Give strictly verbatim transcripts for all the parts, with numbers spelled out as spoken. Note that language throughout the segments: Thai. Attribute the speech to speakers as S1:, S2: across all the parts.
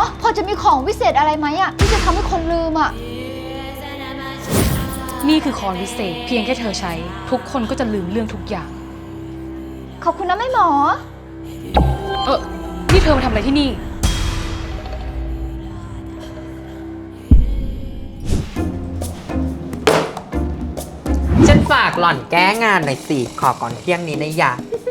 S1: พอจะมีของวิเศษอะไรไหมอะที่จะทำให้คนลืมอะ
S2: นี่คือคอนวิเศษเพียงแค่เธอใช้ทุกคนก็จะลืมเรื่องทุกอย่าง
S1: ขอบคุณนะแม่หมอ
S2: เออนี่เธอมาทำอะไรที่นี่
S3: ฉันฝากหล่อนแก้งานหน่อยสิขอก่อนเที่ยงนี้นะยะ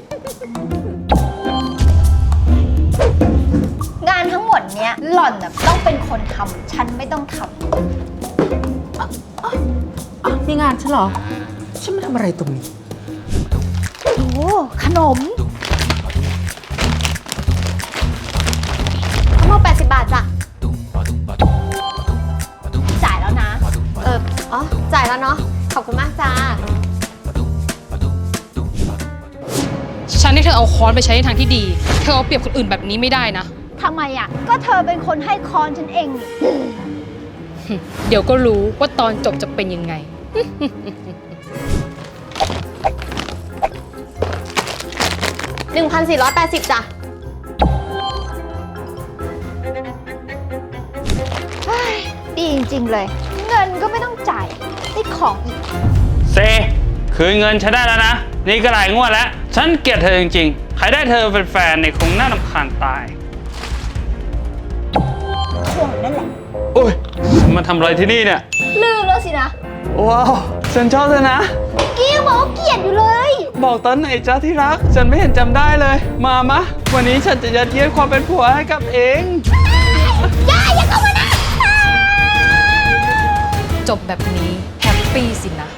S1: งานทั้งหมดเนี้ยหล่อนน่ะต้องเป็นคนทำฉันไม่ต้องทำ
S3: อ๋อนี่งานฉันเหรอ ฉันมาทำอะไรตรงนี้
S1: โอ้ขนมทั้งหมดแปดสิบบาทจ้ะจ่ายแล้วนะ
S4: เอออ๋อ จ่ายแล้วเนาะ ขอบคุณมากจ้า
S2: ฉันให้เธอเอาค้อนไปใช้ในทางที่ดีเธอเอาเปรียบคนอื่นแบบนี้ไม่ได้นะ
S1: ทำไมอะก็เธอเป็นคนให้คอนฉันเองนี่
S2: เดี๋ยวก็รู้ว่าตอนจบจะเป็นยังไง
S4: หนึ่งพันสี่ร้อยแปดสิบ จ้ะ
S1: เฮ้ยดีจริงๆเลย เงินก็ไม่ต้องจ่ายได้ของอีก
S5: เซคืนเงินฉันได้แล้วนะ นี่ก็หลายงวดแล้ว ฉันเกลียดเธอจริงๆ ใครได้เธอเป็นแฟนเนี่ยคงน่ารำคาญตาย
S1: ช่วงนั่นแหละ
S5: โอ้ยมาทำอะไรที่นี่เนี่ย
S1: ลืมแล้วสินะ
S5: ว้าว ฉันชอบเธอนะ
S1: เกี้ยวบอกว่าเกลียดอยู่เลย
S5: บอกตอนไหนจ้าที่รัก ฉันไม่เห็นจำได้เลย มามะ วันนี้ฉันจะยัดเยียดความเป็นผัวให้กับเอง
S1: อย่าอย่าเข้ามานะ
S2: จบแบบนี้แฮปปี้สินะ